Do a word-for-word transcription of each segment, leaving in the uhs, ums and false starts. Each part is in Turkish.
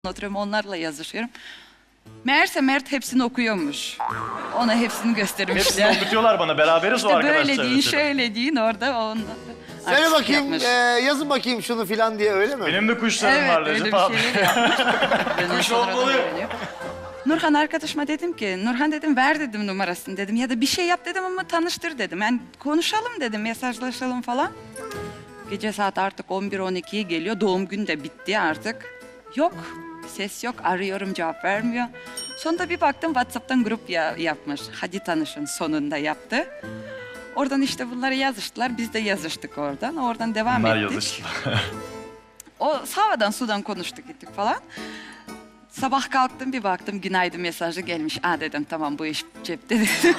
Oturuyorum, onlarla yazışıyorum. Meğerse Mert hepsini okuyormuş. Ona hepsini göstermişler. Hepsini okutuyorlar bana. Beraberiz o İşte arkadaşlar. böyle deyin, şöyle deyin orada. Onunla Söyle artistik bakayım, yapmış. e, yazın bakayım şunu filan diye öyle mi? Benim de kuşlarım Evet, var öyle Recep bir abi. şeyler yapmış. Ben de Kuş sonradan olmalı. öğreniyorum. Nurhan arkadaşıma dedim ki, Nurhan dedim ver dedim numarasını dedim. Ya da bir şey yap dedim ama tanıştır dedim. Yani konuşalım dedim, mesajlaşalım falan. Gece saat artık on bir on ikiye geliyor. Doğum günü de bitti artık. Yok, ses yok. Arıyorum, cevap vermiyor. Sonunda bir baktım WhatsApp'tan grup ya yapmış. Hadi tanışın sonunda yaptı. Oradan işte bunları yazıştılar. Biz de yazıştık oradan. Oradan devam Bunlar ettik. yazıştılar. O havadan sudan konuştuk gittik falan. Sabah kalktım bir baktım günaydın mesajı gelmiş. Aa dedim tamam bu iş cepte dedim.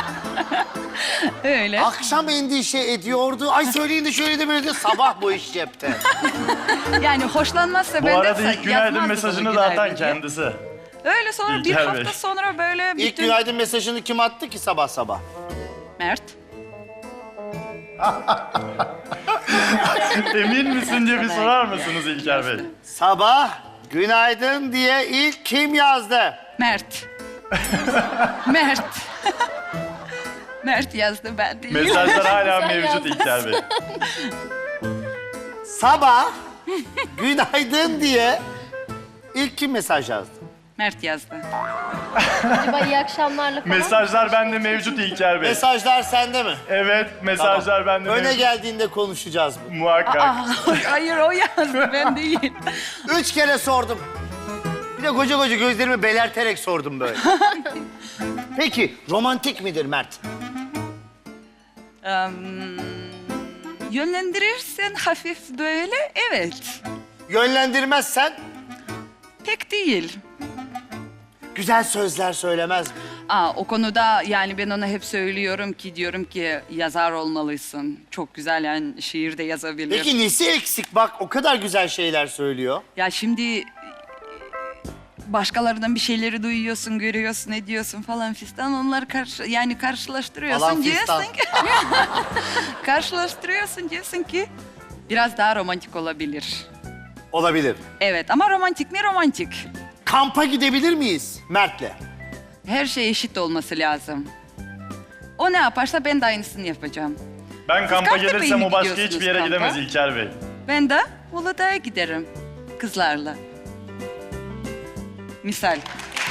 Öyle. Akşam endişe ediyordu. Ay söyleyin de şöyle de böyle de sabah bu iş cepte. Yani hoşlanmazsa Bu ben arada de ilk günaydın yazmazdı mesajını bunu zaten günaydın diye. kendisi. Öyle sonra bir İlker hafta Bey. sonra böyle İlk bütün... günaydın mesajını kim attı ki sabah sabah? Mert. Emin misin diye bir sorar mısınız İlker Bey? Sabah günaydın diye ilk kim yazdı? Mert. Mert. Mert yazdı ben değil. Mesajlar hala Sen mevcut yazdın. İlker Bey. Sabah günaydın diye ilk kim mesaj yazdı? Mert yazdı. Acaba iyi akşamlarla falan. Mesajlar bende mevcut İlker Bey. Mesajlar sende mi? Evet, mesajlar bende Öne mevcut. geldiğinde konuşacağız bunu. Muhakkak. Aa, hayır o yazdı ben değil. Üç kere sordum. Bir de koca koca gözlerimi belerterek sordum böyle. Peki romantik midir Mert? Em, yönlendirirsen hafif böyle evet. Yönlendirmezsen Pek değil. güzel sözler söylemez mi? Aa, o konuda yani ben ona hep söylüyorum ki diyorum ki yazar olmalısın. Çok güzel yani şiir de yazabilir. Peki nesi eksik? Bak o kadar güzel şeyler söylüyor. Ya şimdi başkalarından bir şeyleri duyuyorsun, görüyorsun, ediyorsun falan fistan. Onları karşı yani karşılaştırıyorsun Falan fistan. diyorsun ki karşılaştırıyorsun diyorsun ki biraz daha romantik olabilir. Olabilir. Evet ama romantik mi romantik? Kampa gidebilir miyiz Mert'le? Her şey eşit olması lazım. O ne yaparsa ben de aynısını yapacağım. Ben kampa Kartepe'ye gelirsem mi o başka gidiyorsunuz hiçbir yere kampa? gidemez İlker Bey. Ben de Uludağ'a giderim kızlarla. Misal.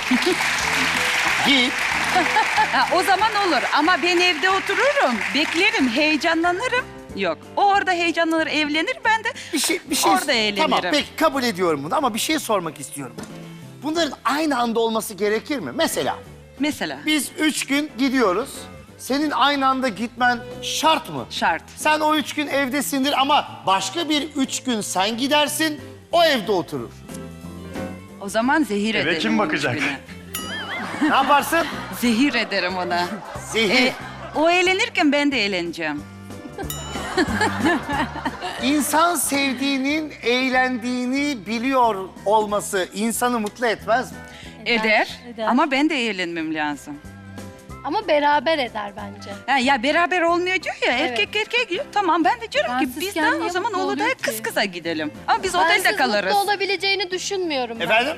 Git. Ha, o zaman olur ama ben evde otururum, beklerim, heyecanlanırım. Yok, o orada heyecanlanır, evlenir, ben de Bir şey, bir şey. orada eğlenirim. Tamam peki kabul ediyorum bunu ama bir şey sormak istiyorum. Bunların aynı anda olması gerekir mi? Mesela Mesela biz üç gün gidiyoruz. Senin aynı anda gitmen şart mı? şart. Sen o üç gün evdesindir ama başka bir üç gün sen gidersin, o evde oturur. O zaman zehir Eve ederim. kim o üç bakacak? güne. Ne yaparsın? Zehir ederim ona. Zehir. E, o eğlenirken ben de eğleneceğim. İnsan sevdiğinin eğlendiğini biliyor olması insanı mutlu etmez mi? Eder, eder. ama ben de eğlenmem lazım. Ama beraber eder bence. Ha, ya beraber olmuyor diyor ya, erkek erkeğe gidiyor. Tamam ben de diyorum ki biz de Bensizken o niye zaman mutlu Uludağ'a oluyor kız ki? kıza gidelim. Ama biz otelde Bensiz kalırız. mutlu olabileceğini düşünmüyorum ben. Efendim?